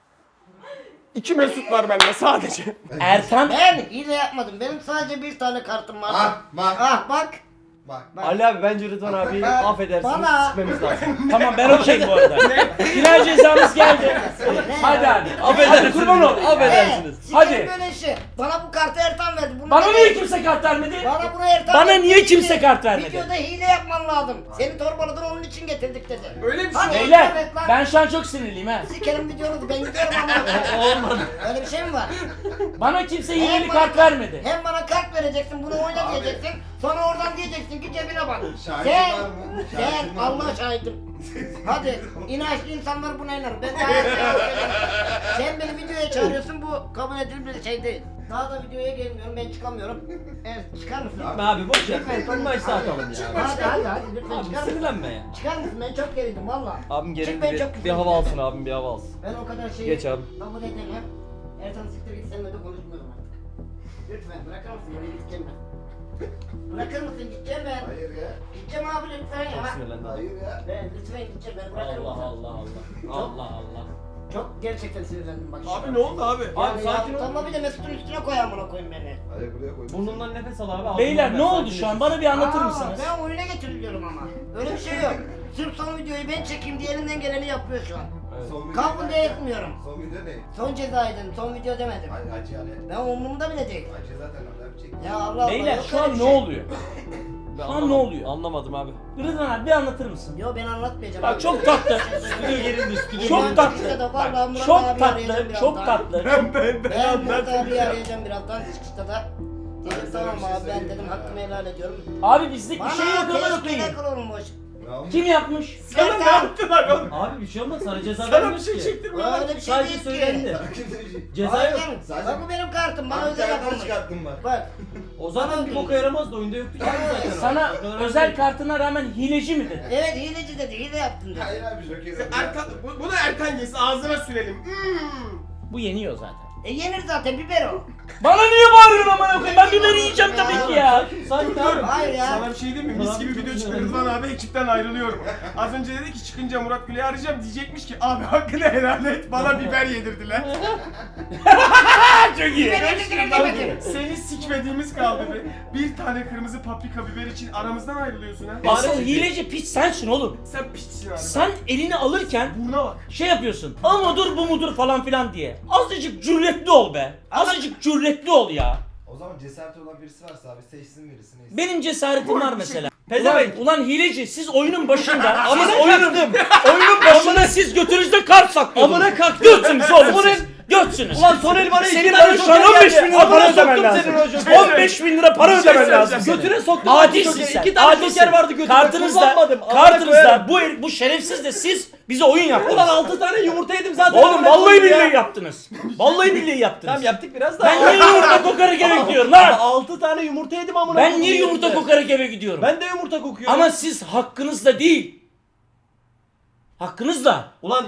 Speaker 3: 2 Mesut var bende sadece.
Speaker 1: Ertan.
Speaker 4: Ben hile yapmadım. Benim sadece bir tane kartım var.
Speaker 6: Ah bak.
Speaker 4: Bak.
Speaker 6: Bak.
Speaker 4: Bak.
Speaker 2: Ali abi bence Rıdvan abi affedersiniz
Speaker 4: Bana-
Speaker 2: sıkmamız lazım.
Speaker 1: Tamam ben okeyim bu arada. Final cezamız geldi. Hadi abi. Hadi kurban ol.
Speaker 2: Affedersiniz.
Speaker 1: Hadi.
Speaker 4: Hadi. Böyle işi. Bana bu kartı Ertan verdi. Bunu
Speaker 1: Bana
Speaker 4: da-
Speaker 1: niye kimse kart vermedi?
Speaker 4: Bana bunu Ertan
Speaker 1: Bana
Speaker 4: verdi.
Speaker 1: niye
Speaker 4: Dedi
Speaker 1: kimse
Speaker 4: ki,
Speaker 1: kart vermedi?
Speaker 4: Videoda hile yapman lazım. Seni torbaladan onun için getirdik dedi.
Speaker 3: Öyle bir şey.
Speaker 4: Hadi
Speaker 1: Beyler
Speaker 4: evet lan.
Speaker 1: ben şu an çok sinirliyim ha.
Speaker 4: Sikerim videonuzu ben gidiyorum ama.
Speaker 2: Olmadı.
Speaker 4: Öyle bir şey mi var?
Speaker 1: Bana kimse hileli
Speaker 4: Hem
Speaker 1: kart
Speaker 4: bana-
Speaker 1: vermedi.
Speaker 4: Hem bana kart vereceksin, bunu oyna
Speaker 6: Abi.
Speaker 4: diyeceksin. Sonra oradan diyeceksin ki cebine bak.
Speaker 6: Şahidin
Speaker 4: Sen,
Speaker 6: var mı?
Speaker 4: sen
Speaker 6: Şahidin var mı?
Speaker 4: Allah şahidim. Hadi inançlı insanlar buna inar. Ben daha her şeyi söyleyeyim. Sen beni videoya çağırıyorsun, bu kabul edilir bir şey değil. Daha da videoya gelmiyorum, ben çıkamıyorum. Evet, çıkar mısın?
Speaker 2: Gitme abi boş ver. Son maçta atalım ya.
Speaker 4: Hadi lütfen
Speaker 2: Abi
Speaker 4: çıkar mısın?
Speaker 2: sinirlenme ya.
Speaker 4: Çıkar mısın? Ben çok gerildim valla.
Speaker 2: Abim
Speaker 4: Çık,
Speaker 2: gelin
Speaker 4: ben
Speaker 2: bir,
Speaker 4: çok
Speaker 2: bir
Speaker 4: küfür
Speaker 2: hava
Speaker 4: ediyorum.
Speaker 2: alsın abim bir hava alsın.
Speaker 4: Ben o kadar şeyi
Speaker 2: Geç abi.
Speaker 4: kabul edemem. Ertan siktir git, seninle de konuşmuyorum artık. Lütfen bırakır mısın? Beni gideceğim ben. Bırakır mısın? Gideceğim ben.
Speaker 6: Hayır ya.
Speaker 4: Gideceğim abi lütfen
Speaker 2: Çok
Speaker 4: ya.
Speaker 2: sinirlendim.
Speaker 6: Hayır ya.
Speaker 4: Ben lütfen gideceğim ben. Bırakır
Speaker 2: Allah
Speaker 4: mısın?
Speaker 2: Allah Allah. Allah Allah.
Speaker 4: Çok gerçekten sinirlendim bak.
Speaker 3: Abi ne oldu abi?
Speaker 2: Abi sakin ol.
Speaker 4: Tamam bir de Mesut'un üstüne koy amına koyayım beni.
Speaker 6: Hayır buraya koydum.
Speaker 2: Burnundan nefes al abi. ağzından
Speaker 1: Beyler
Speaker 2: ver,
Speaker 1: ne oldu
Speaker 2: sakinleş.
Speaker 1: şu an? Bana bir anlatır mısınız?
Speaker 4: Ben oyuna getiriliyorum ama. Öyle bir şey yok. Sırf son videoyu ben çekeyim diye elinden geleni yapıyor şu an.
Speaker 2: Evet.
Speaker 6: Son video
Speaker 4: Kabul
Speaker 6: ne?
Speaker 4: de etmiyorum.
Speaker 6: Son video ne?
Speaker 4: Son ceza dedim, son video demedim.
Speaker 6: Acı yani.
Speaker 4: Ben umurumda bile değil.
Speaker 6: Acı zaten adam çekti.
Speaker 4: Ya Allah Allah.
Speaker 1: Beyler
Speaker 4: yok
Speaker 1: şu
Speaker 4: öyle
Speaker 1: an
Speaker 4: bir
Speaker 1: ne
Speaker 4: şey.
Speaker 1: oluyor?
Speaker 2: Ben
Speaker 1: Şu an ne
Speaker 2: anlamadım.
Speaker 1: oluyor?
Speaker 2: Anlamadım abi.
Speaker 1: Rıdvan abi bir anlatır mısın?
Speaker 4: Yo ben anlatmayacağım.
Speaker 1: Bak
Speaker 4: abi.
Speaker 1: çok tatlı.
Speaker 2: Stüdyo gerildi stüdyo.
Speaker 1: Çok
Speaker 4: Ben
Speaker 1: tatlı.
Speaker 4: çıkışta da
Speaker 1: Bak,
Speaker 4: vallahi Murat
Speaker 1: çok
Speaker 4: abi
Speaker 1: tatlı.
Speaker 4: arayacağım
Speaker 1: Çok
Speaker 4: birazdan.
Speaker 1: tatlı.
Speaker 4: Ben Murat abi arayacağım birazdan çıkışta da. Dedim
Speaker 6: Abi sana
Speaker 4: tamam
Speaker 6: bir şey
Speaker 4: abi ben
Speaker 6: söyleyeyim
Speaker 4: dedim
Speaker 6: mi?
Speaker 4: hakkımı helal ediyorum.
Speaker 1: Abi bizlik bir
Speaker 4: Bana
Speaker 1: şey yok ama
Speaker 4: teşkil
Speaker 1: okuyayım.
Speaker 4: kurulmuş.
Speaker 6: Ne olmuş?
Speaker 1: Kim yapmış?
Speaker 3: Sana ne yaptılar oğlum?
Speaker 2: Abi bir şey olmaz sana ceza
Speaker 3: Sana bir
Speaker 2: vermiyoruz
Speaker 3: şey
Speaker 2: ki.
Speaker 3: çektirmiyorlar.
Speaker 4: Öyle bir şey
Speaker 2: Sadece
Speaker 4: değil ki.
Speaker 2: söylendi.
Speaker 6: Kimse bir şey.
Speaker 2: Ceza yok.
Speaker 4: Aynen.
Speaker 6: Sadece-
Speaker 4: Bak bu benim kartım bana
Speaker 6: Abi
Speaker 4: özel
Speaker 6: içeriden
Speaker 4: yapılmış.
Speaker 6: çıkarttım bak.
Speaker 4: Bak.
Speaker 2: O zaman bir boka yaramazdı oyunda yoktu ki zaten. o.
Speaker 1: Sana
Speaker 2: O kadar
Speaker 1: özel
Speaker 2: değil.
Speaker 1: kartına rağmen hileci mi dedi?
Speaker 4: Evet hileci dedi hile yaptın dedi.
Speaker 6: Hayır abi Joker'i.
Speaker 3: Ertan, bunu Ertan yesin ağzına sürelim.
Speaker 1: Bu yeniyor zaten.
Speaker 4: Yenir zaten biber o.
Speaker 1: Bana niye bağırıyorsun amına koyayım? Ben biberi yiyeceğim tabii ki ya.
Speaker 2: Sakin
Speaker 3: Dur.
Speaker 2: abi.
Speaker 4: Hayır ya.
Speaker 3: Sana bir şey diyeyim mi? Mis gibi video çıktı. Rıdvan abi ekipten ayrılıyorum. Az önce dedi ki çıkınca Murat Gül'ü arayacağım. Diyecekmiş ki abi hakkını helal et. Bana biber yedirdiler.
Speaker 1: Çok iyi.
Speaker 4: Biber yedirdiler demedim.
Speaker 3: Seni sikmediğimiz kaldı be. Bir tane kırmızı paprika biber için aramızdan ayrılıyorsun ha.
Speaker 1: Asıl hileci piç sensin oğlum.
Speaker 3: Sen piçsin abi.
Speaker 1: Sen elini alırken
Speaker 3: Buruna bak.
Speaker 1: şey yapıyorsun. Ama dur bu mudur falan filan diye. Azıcık cüretli ol be. Azıcık cüretli ol ya.
Speaker 6: O zaman cesareti olan birisi varsa abi seçsin birisini.
Speaker 1: Benim cesaretim var mesela.
Speaker 2: Pezevenk.
Speaker 1: Ulan hileci siz oyunun başında siz oyunun başında siz götünüzde kart saklıyordunuz.
Speaker 2: Amına kalktım.
Speaker 1: Götsünüz oğlum siz. Götsünüz.
Speaker 2: Ulan Soner bana
Speaker 1: Senin
Speaker 2: iki
Speaker 1: bana
Speaker 2: tane
Speaker 1: şu an
Speaker 2: joker
Speaker 1: 15
Speaker 2: geldi.
Speaker 1: bin lira para
Speaker 2: Amına
Speaker 1: ödemen
Speaker 2: soktum
Speaker 1: lazım.
Speaker 2: senin o jokeri.
Speaker 1: 15 bin lira para
Speaker 3: Bir şey
Speaker 1: ödemen lazım.
Speaker 3: söyleyeceğim.
Speaker 2: Götüne soktum.
Speaker 1: Adilsin
Speaker 2: jokeri.
Speaker 1: sen.
Speaker 2: İki tane
Speaker 1: Adilsin.
Speaker 2: joker vardı götüne. Kullanmadım. Amına
Speaker 1: Kartınızda
Speaker 2: koyarım.
Speaker 1: bu şerefsiz de siz bize oyun yaptınız.
Speaker 2: Ulan 6 tane yumurta yedim zaten.
Speaker 1: Oğlum
Speaker 2: Amına
Speaker 1: vallahi
Speaker 2: koyayım ya.
Speaker 1: billahi yaptınız. Vallahi billahi yaptınız.
Speaker 2: Tamam yaptık biraz daha.
Speaker 1: Ben niye yumurta kokarak eve gidiyorum lan?
Speaker 2: 6 tane yumurta yedim amına
Speaker 1: Ben
Speaker 2: koyayım
Speaker 1: niye
Speaker 2: ya.
Speaker 1: yumurta kokarak eve gidiyorum?
Speaker 2: Ben de yumurta kokuyorum.
Speaker 1: Ama siz hakkınızda değil. Hakkınızla.
Speaker 2: Ulan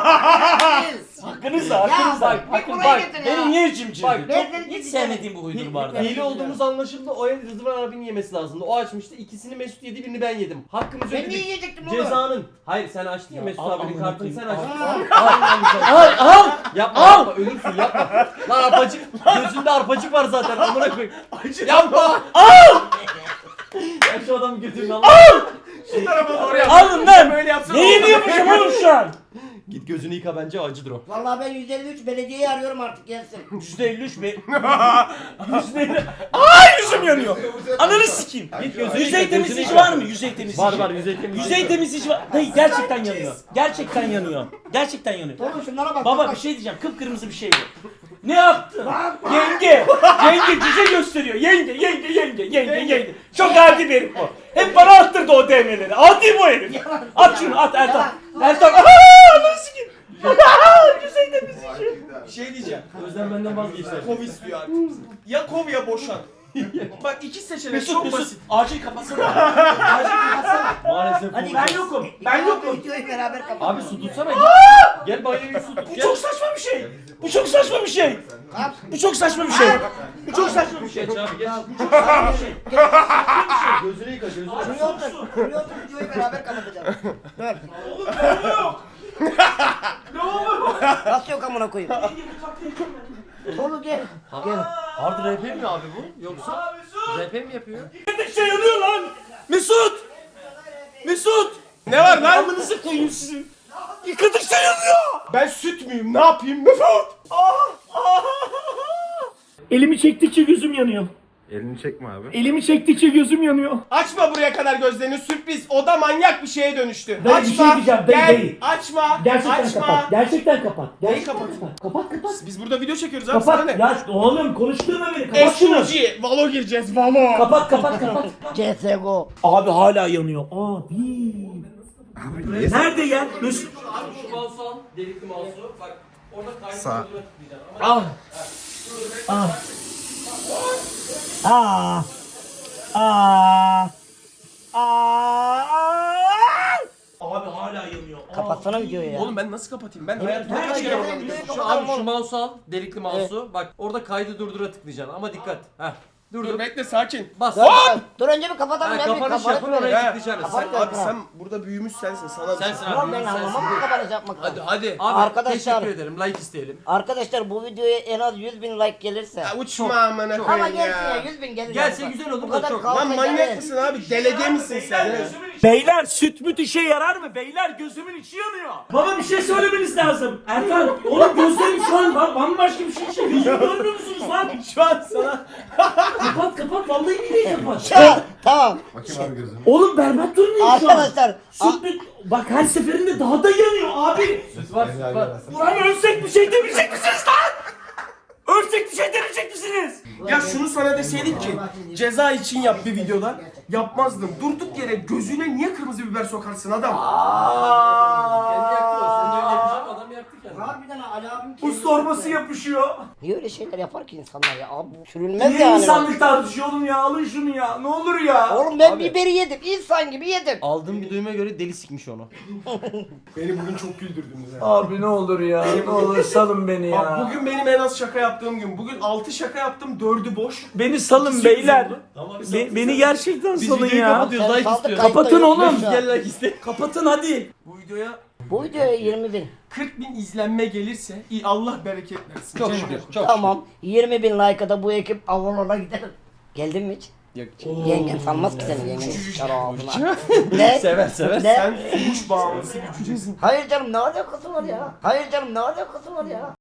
Speaker 1: Hakkınızla,
Speaker 4: Ya
Speaker 1: hakkınızla.
Speaker 4: bak,
Speaker 1: Hakkın
Speaker 4: buraya
Speaker 1: bak.
Speaker 4: getir ya.
Speaker 1: Beni niye cimcirdi?
Speaker 2: Bak,
Speaker 1: Hiç sevmediğim bu huydur bu arada.
Speaker 2: hile olduğumuz anlaşıldı. O el Rıdvan abinin yemesi lazımdı. O açmıştı. İkisini Mesut yedi, birini ben yedim. Hakkımızı
Speaker 4: Ben niye
Speaker 2: ödedik.
Speaker 4: yiyecektim oğlum?
Speaker 2: Cezanın. Hayır sen açtın ya Mesut
Speaker 1: al
Speaker 2: abinin
Speaker 1: amına
Speaker 2: kartını sen
Speaker 1: koyayım,
Speaker 2: açtın.
Speaker 1: Al al.
Speaker 2: Yapma
Speaker 1: Al!
Speaker 2: yapma ölürsün yapma. Lan arpacık gözünde arpacık var zaten amına koyayım.
Speaker 3: Acı
Speaker 2: Yapma. Ya şu adamı götürün Allah.
Speaker 3: Şu tarafa doğru yap.
Speaker 1: Alın lan.
Speaker 3: Böyle yapsana.
Speaker 1: Ne yediyormuşum oğlum şu an?
Speaker 2: Git gözünü yıka bence acıdır o.
Speaker 4: Vallahi ben 153 belediyeyi arıyorum artık gelsin.
Speaker 1: %53 be. %50. Ay yüzüm gözüm yanıyor. Ananı sikeyim. Yüzey temizleyici var mı? Yüzey temizleyici.
Speaker 2: Var yüzey temizleyici.
Speaker 1: Yüzey temizleyici var. Dayı gerçekten yanıyor. Gerçekten yanıyor. Gerçekten yanıyor.
Speaker 4: Oğlum şunlara bak.
Speaker 1: Baba bir şey diyeceğim. Kıpkırmızı bir şey bu. Ne yaptın? Yenge. Yenge cüce gösteriyor. Yenge. Çok adi bir herif bu. Hep bana attırdı o DM'leri. Adi bu herif. At şunu at Ertan. Ertan. Aaa! Sikeyim. Yüzey temizleyici.
Speaker 3: Bir şey diyeceğim.
Speaker 2: Özlem benden vazgeçti.
Speaker 3: Kov istiyor artık. Ya kov ya boşan. Bak iki seçenek
Speaker 1: Mesut
Speaker 3: çok
Speaker 1: Mesut.
Speaker 3: basit.
Speaker 1: Acil kapatsana. Acil kapatsana.
Speaker 2: Maalesef
Speaker 4: Hadi
Speaker 2: bu.
Speaker 1: Ben yokum. Ben yokum.
Speaker 4: Videoyu beraber kapatalım.
Speaker 2: Abi su tutsana. Gel banyoya su tut.
Speaker 1: Bu
Speaker 2: Gel.
Speaker 1: çok saçma bir şey. Bu çok saçma bir şey. Bu çok saçma bir şey. Bu çok saçma bir şey.
Speaker 2: Geç abi geç.
Speaker 1: Saçma bir şey.
Speaker 2: Gözünü yıka gözünü.
Speaker 4: Şuraya otur. Şuraya otur videoyu beraber kapatacağız. Dur. Nasıl yok amına koyayım? Oğlum gel. Gel.
Speaker 2: Hard RP mi abi bu? Yoksa RP mi yapıyor?
Speaker 1: Bir şey yanıyor lan. Mesut. Mesut.
Speaker 3: Ne var lan?
Speaker 1: Amınızı koyayım sizin. Yıkadıkça yanıyor.
Speaker 3: Ben süt müyüm? Ne yapayım Mesut?
Speaker 1: Elimi çektikçe gözüm yanıyor.
Speaker 6: Elini çekme abi.
Speaker 1: Elimi çektikçe gözüm yanıyor.
Speaker 3: Açma buraya kadar gözlerini, sürpriz. Oda manyak bir şeye dönüştü.
Speaker 1: Dayı,
Speaker 3: Açma.
Speaker 1: bir şey diyeceğim, dayı,
Speaker 3: Gel.
Speaker 1: dayı.
Speaker 3: Açma.
Speaker 1: Gerçekten
Speaker 3: Açma.
Speaker 1: kapat. Gerçekten kapat.
Speaker 3: Neyi kapatayım?
Speaker 1: Kapat.
Speaker 3: Biz burada video çekiyoruz abi, sana
Speaker 1: Kapat.
Speaker 3: ne?
Speaker 1: Ya oğlum konuşturma beni. Kapat şunu.
Speaker 3: SUG, Valo gireceğiz, Valo.
Speaker 1: Kapat.
Speaker 4: CSGO.
Speaker 1: Abi hala yanıyor. Abi. Nerede ya? Mesut.
Speaker 2: Abi şu mouse'u al. Delikli mouse'u. Bak orada kaynak
Speaker 6: Sağ.
Speaker 2: olduğunu tıklayacaksın.
Speaker 1: Ah. Abi hala yanıyor.
Speaker 4: Kapatsana videoyu ya.
Speaker 3: Oğlum ben nasıl kapatayım? Ben
Speaker 4: Evet,
Speaker 3: hayatımda
Speaker 4: nerede
Speaker 3: kaç kere
Speaker 4: ya?
Speaker 3: oradan
Speaker 4: Videoyu
Speaker 3: geçtim.
Speaker 2: Şu abi şu mouse'u al. Delikli mouse'u. Bak orada kaydı durdura tıklayacaksın ama dikkat. Heh.
Speaker 3: Dur
Speaker 2: Durdur.
Speaker 3: bekle, sakin.
Speaker 2: Bas.
Speaker 4: Dur önce bir kapatalım.
Speaker 2: Ha,
Speaker 4: Ben bir
Speaker 2: kapanış yapın
Speaker 4: kapatalım.
Speaker 2: oraya
Speaker 3: He.
Speaker 2: tıklayacaksın.
Speaker 4: Kapat.
Speaker 2: Sen,
Speaker 3: Abi sen burada büyümüş sensin, sana
Speaker 2: sensin
Speaker 4: Ulan
Speaker 2: abi.
Speaker 4: ben
Speaker 2: sensin.
Speaker 4: anlamam mı kapanış yapmaktan?
Speaker 3: Hadi.
Speaker 2: Abi
Speaker 4: Arkadaşlar-
Speaker 2: teşekkür ederim. Like isteyelim.
Speaker 4: Arkadaşlar bu videoya en az 100.000 like gelirse.
Speaker 3: Ya uçma amına
Speaker 4: Ama
Speaker 3: koyayım
Speaker 4: gelsin ya
Speaker 3: ya.
Speaker 4: 100.000 gelir.
Speaker 2: Gelse
Speaker 4: ya.
Speaker 2: güzel olur
Speaker 4: Bu
Speaker 2: da
Speaker 4: kadar
Speaker 2: çok.
Speaker 4: kalsa
Speaker 3: Lan manyak
Speaker 4: gelir.
Speaker 3: mısın abi? Delege misin sen ya?
Speaker 1: Beyler süt müt işe yarar mı? Beyler gözümün içi yanıyor. Baba bir şey söylemeniz lazım. Erkan oğlum gözlerim şu an bambaşka bir şey. Gözümü görmüyor musunuz lan?
Speaker 3: Şu an sana...
Speaker 1: Kapat vallahi billahi kapat.
Speaker 4: Tamam.
Speaker 6: Bakayım abi gözünü.
Speaker 1: Oğlum berbat durmuyor şu an.
Speaker 4: Arkadaşlar.
Speaker 1: Süt müt bak her seferinde daha da yanıyor abi.
Speaker 2: Süt var süt var.
Speaker 1: Ulan ölsek bir şey demeyecek misiniz lan? Ölsek bir şey demeyecek misiniz?
Speaker 3: Ya şunu sana deseydik ki ceza için yap bir videoda, yapmazdım. Durduk yere gözüne niye kırmızı biber sokarsın adam?
Speaker 2: Kendi yaktı o. Sen de öyle yapacağım adam yaktı kendini.
Speaker 4: Harbiden Ali abim
Speaker 1: Buz torbası yapışıyor.
Speaker 4: Niye öyle şeyler yapar ki insanlar ya? Abi bu sürülmez
Speaker 1: Niye
Speaker 4: yani.
Speaker 1: insanlık tartışıyor oğlum ya? Alın şunu ya. Ne olur ya.
Speaker 4: Oğlum ben
Speaker 2: Abi.
Speaker 4: biberi yedim. İnsan gibi yedim.
Speaker 2: Aldığım bir duyuma göre deli sikmiş onu.
Speaker 3: Beni bugün çok güldürdünüz ya.
Speaker 1: Abi ne olur ya. Ne olur salın beni
Speaker 3: Bak bugün benim en az şaka yaptığım gün. Bugün 6 şaka yaptım, 4'ü boş.
Speaker 1: Beni salın
Speaker 3: İkisi
Speaker 1: beyler.
Speaker 3: oldu.
Speaker 2: Tamam
Speaker 1: Beni gerçekten
Speaker 2: Biz
Speaker 1: salın
Speaker 2: videoyu
Speaker 1: ya.
Speaker 2: kapatıyoruz.
Speaker 4: Sen
Speaker 2: Like
Speaker 4: saldır,
Speaker 2: istiyoruz.
Speaker 4: kayıtta
Speaker 1: Kapatın
Speaker 4: yok
Speaker 1: oğlum.
Speaker 4: şu an.
Speaker 2: Gel like iste.
Speaker 1: Kapatın hadi.
Speaker 3: Bu videoya
Speaker 4: Bu videoya 20.000.
Speaker 3: 40.000 izlenme gelirse iyi, Allah bereket versin.
Speaker 2: Çok
Speaker 3: Cennet.
Speaker 2: şükür. Çok
Speaker 4: Tamam. 20.000 like'a da bu ekip Avalon'a gider. Geldin mi hiç?
Speaker 2: Yok.
Speaker 4: Yengen sanmaz ki seni yengen. Çar ağzına. Ne?
Speaker 2: Sever sever.
Speaker 4: Ne?
Speaker 3: Sen fuhuş bağımlısı bir cücesin.
Speaker 4: Hayır canım ne alakası var ya? Hayır canım ne alakası var ya?